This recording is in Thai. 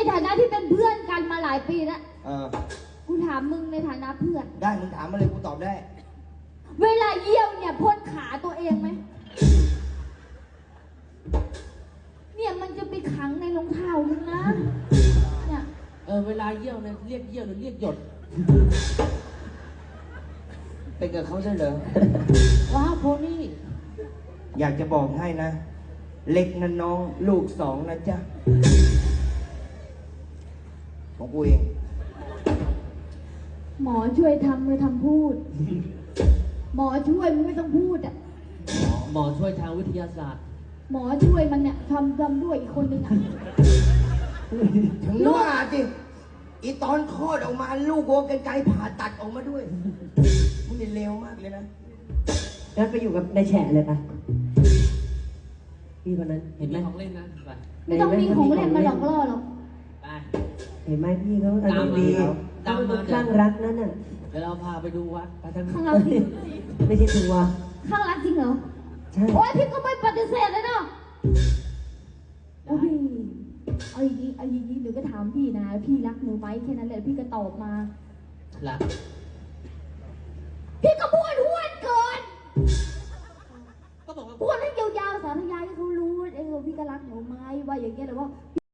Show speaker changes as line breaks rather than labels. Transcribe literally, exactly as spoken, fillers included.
ฐานะที่เป็นเพื่อนกันมาหลายปีแล้ว
เออ
กูถามมึงในฐานะเพื่อน
ได้มึงถามมาเลยกูตอบได้
เวลาเยี่ยวเนี่ยพ่นขาตัวเองไหมเนี่ยมันจะไปขังในรองเท้ามึงนะเนี่ย
เออเวลาเยี่ยวเนี่ยเรียกเยี่ยวหรือเรียกหยด
เป็นกับเขาใช่เหรอ
ว้าวโพนี่
อยากจะบอกให้นะเล็กนะน้องลูกสองนะจ๊ะของกูเอง
หมอช่วยทำมือทำพูดหมอช่วยมึงไม่ต้องพูดอ่ะ
หมอช่วยทางวิทยาศาสตร์
หมอช่วยมันเนี่ยทำทำด้วยอีกคนนึงอ่ะ
ถึงว่าจิอีตอนคลอดออกมาลูกโกกันไกลผ่าตัดออกมาด้วยมึงนี่เลวมากเลยนะ
งั้นไปอยู่กับนายแฉะเลยปะพี่คนนั้นเห็นไหม
ของเล่นนะไป
ไม่ต้องมีของเล่นมาหลอกล่อหรอก
ไป
เห็นไหมพี่เขาอารมณ์ดี
ตามมา
ข้างรักนั่นน่ะ
เดี๋ยวเราพาไปดูวัดไปทาง
ข้างรักจริง
ไม่ใช่ทัวร์
ข้างรักจริงเหรอ
ใช่
โอ้ยพี่ก็ไม่ปฏิเสธเลยเนาะโอ้ยเอาอย่างนี้เอาอย่างนี้หนูก็ถามพี่นะพี่รักหนูไหมแค่นั้นแหละพี่ก็ตอบมา
รัก
พี่ก็พูดห้วนเกิน
ก็บอกว่า
พูดให้ยาวๆสาธยายให้เขารู้เออพี่ก็รักหนูไหมว่าอย่างเงี้ยแต่ว่า